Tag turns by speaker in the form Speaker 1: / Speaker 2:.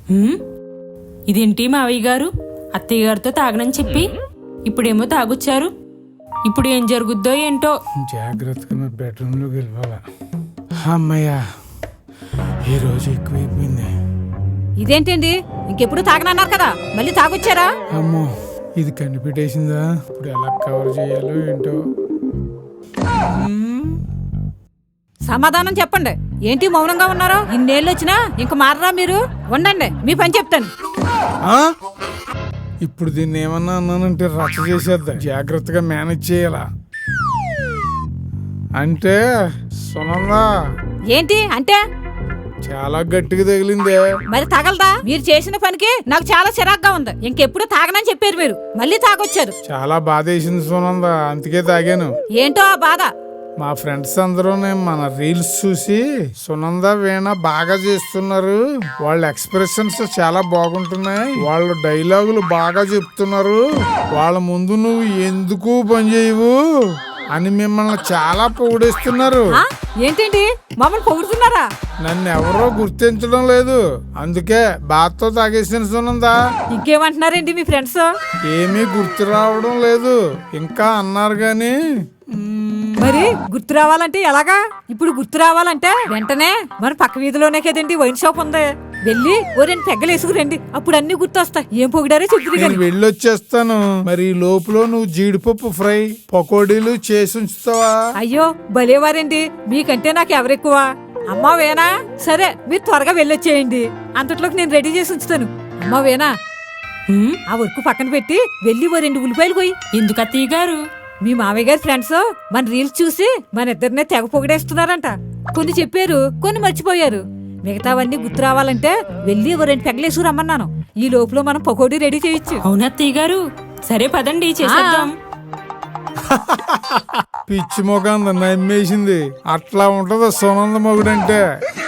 Speaker 1: ఇదేంటి మావయ్య గారు, అత్తయ్య గారితో తాగనని చెప్పి ఇప్పుడేమో తాగొచ్చారు. ఇప్పుడు ఏం జరుగుద్దో ఏంటో.
Speaker 2: జాగ్రత్తగా బెడ్రూమ్లోకి వెళ్ళిపోవాలా. అమ్మయ్యా, ఈరోజు ఎక్కువైపోయింది.
Speaker 3: ఇదేంటండి, ఇంకెప్పుడు తాగనన్నారు కదా, మళ్ళీ తాగొచ్చారా?
Speaker 2: అమ్మో, ఇది కనిపెట్టేసిందా? ఇప్పుడు ఎలా కవర్ చేయాలో ఏంటో.
Speaker 3: సమాధానం చెప్పండి. ఏంటి మౌనంగా ఉన్నారో? ఇన్నేళ్ళు వచ్చినా ఇంక మారరా మీరు? ఉండండి, మీ పని చెప్తాను.
Speaker 2: ఇప్పుడు దీన్ని ఏమన్నా అన్నానంటే రచ్చ చేసేద్దా. జాగ్రత్తగా మేనేజ్ చేయాలా. అంటే సునందా.
Speaker 3: ఏంటి అంటే?
Speaker 2: చాలా గట్టిగా తగిలిందే.
Speaker 3: మరి తగలదా? మీరు చేసిన పనికి నాకు చాలా చిరాగ్గా ఉంది. ఇంకెప్పుడు తాగనని చెప్పారు మీరు, మళ్ళీ తాగొచ్చారు.
Speaker 2: చాలా బాధ వేసింది సునందా, అందుకే తాగాను.
Speaker 3: ఏంటో ఆ బాధ?
Speaker 2: మా ఫ్రెండ్స్ అందరూ మన రీల్స్ చూసి సునంద వీణ బాగా చేస్తున్నారు, వాళ్ళ ఎక్స్ప్రెషన్స్ చాలా బాగుంటున్నాయి, వాళ్ళ డైలాగులు బాగా చెప్తున్నారు, వాళ్ళ ముందు నువ్వు ఎందుకు పని చేయవు అని మిమ్మల్ని చాలా పొగిడేస్తున్నారు.
Speaker 3: ఏంటండి, మమ్మల్ని పొగుడుతున్నారా?
Speaker 2: నన్ను ఎవరో గుర్తించడం లేదు, అందుకే బాధతో తాగేసిన సునందా.
Speaker 3: ఇంకేమంటున్నారండి మీ ఫ్రెండ్స్?
Speaker 2: ఏమీ గుర్తు రావడం లేదు ఇంకా అన్నారు గాని.
Speaker 3: మరి గుర్తు రావాలంటే ఎలాగా? ఇప్పుడు గుర్తు రావాలంటే వెంటనే మన పక్క వీధిలోనే కదండి వైన్ షాప్ ఉంది, వెళ్ళి ఓ 2 పెగ్గలు వేసుకురండి, అప్పుడు అన్ని గుర్తొస్తాయి. ఏం పొగిడారో చెప్తున్నారు.
Speaker 2: నేను వెళ్ళొచ్చేస్తాను. మరి ఈ లోపల నువ్వు జీడిపప్పు ఫ్రై పకోడీలు చేసి ఉంచుతావా?
Speaker 3: అయ్యో భలేవారండి, మీకంటే నాకు ఎవరెక్కువ? అమ్మా వేనా, సరే మీరు త్వరగా వెళ్ళొచ్చేయండి, అంతట్లోకి నేను రెడీ చేసి ఉంచుతాను. అమ్మా వేనా, ఆ వర్క్ పక్కన పెట్టి వెళ్ళి ఓ 2 ఉల్లిపాయలు పోయి.
Speaker 1: ఎందుకు అత్తయ్య గారు?
Speaker 3: మీ మామయ్య గారి ఫ్రెండ్స్ మన రీల్స్ చూసి మన ఇద్దరినే తెగ పొగిడేస్తున్నారంట. కొన్ని చెప్పారు, కొన్ని మర్చిపోయారు. మిగతావన్నీ గుర్తు రావాలంటే వెళ్ళి ఓ 2 పెగ్గలేసు రమ్మన్నాను. ఈ లోపల మనం పకోడీ రెడీ చేయొచ్చు.
Speaker 1: అవునా అత్తయ్య గారు? సరే పదండి చేసేద్దాం.
Speaker 2: పిచ్చి మొగంద నమ్మేసింది. అట్లా ఉంటది సునంద మొగుడంటే.